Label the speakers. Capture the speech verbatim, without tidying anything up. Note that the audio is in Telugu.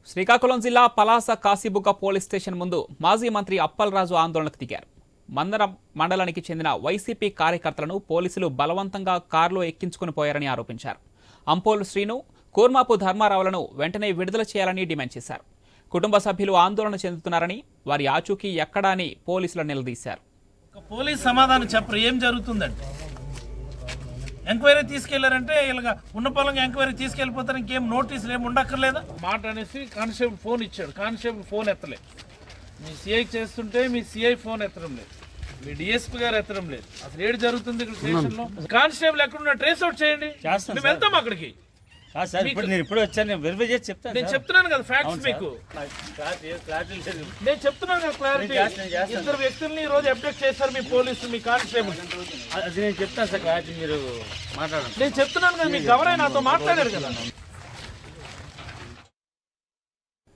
Speaker 1: శ్రీకాకుళం జిల్లా పలాస కాశీబుగ్గ పోలీస్ స్టేషన్ ముందు మాజీ మంత్రి అప్పలరాజు ఆందోళనకు దిగారు. మందరం మండలానికి చెందిన వైసీపీ కార్యకర్తలను పోలీసులు బలవంతంగా కారులో ఎక్కించుకుని పోయారని ఆరోపించారు. అంపోలు శ్రీను, కూర్మాపు ధర్మారావులను వెంటనే విడుదల చేయాలని డిమాండ్ చేశారు. కుటుంబ సభ్యులు ఆందోళన చెందుతున్నారని, వారి ఆచూకీ ఎక్కడా అని పోలీసులు నిలదీశారు.
Speaker 2: పోలీస్ సమాధానం చెప్పరు ఏం జరుగుతుందంటే ఎంక్వైరీ తీసుకెళ్లారంటే ఇలాగ ఉన్న పొలంగా ఎంక్వైరీ తీసుకెళ్లిపోతారు. ఇంకేం నోటీసులు ఏమి ఉండక్కర్లేదా మాట అనేసి కానిస్టేబుల్ ఫోన్ ఇచ్చాడు. కానిస్టేబుల్ ఫోన్ ఎత్తలేదు. మీ సిఐ చేస్తుంటే మీ సిఐ ఫోన్ ఎత్తడం లేదు, మీ డిఎస్పీ గారు ఎత్తడం లేదు. అసలు ఏడు జరుగుతుంది ఇక్కడ స్టేషన్ లో. కానిస్టేబుల్ ఎక్కడున్నా ట్రేస్ అవుట్ చేయండి, మేము వెళ్తాం అక్కడికి.
Speaker 3: నేను ఇప్పుడు వచ్చాను, వెరిఫై చేసి చెప్తాను.
Speaker 2: నేను చెప్తున్నాను కదా ఫ్యాక్ట్స్ మీకు, నేను చెప్తున్నాను కదా క్లారిటీ. ఇద్దరు వ్యక్తుల్ని ఈ రోజు అప్డేట్ చేశారు మీ పోలీసులు, మీ కానిస్టేబుల్.
Speaker 3: అది నేను చెప్తాను సార్, క్లారిటీ మీరు మాట్లాడండి.
Speaker 2: నేను చెప్తున్నాను కదా, మీకు ఎవరైనా నాతో మాట్లాడారు కదా.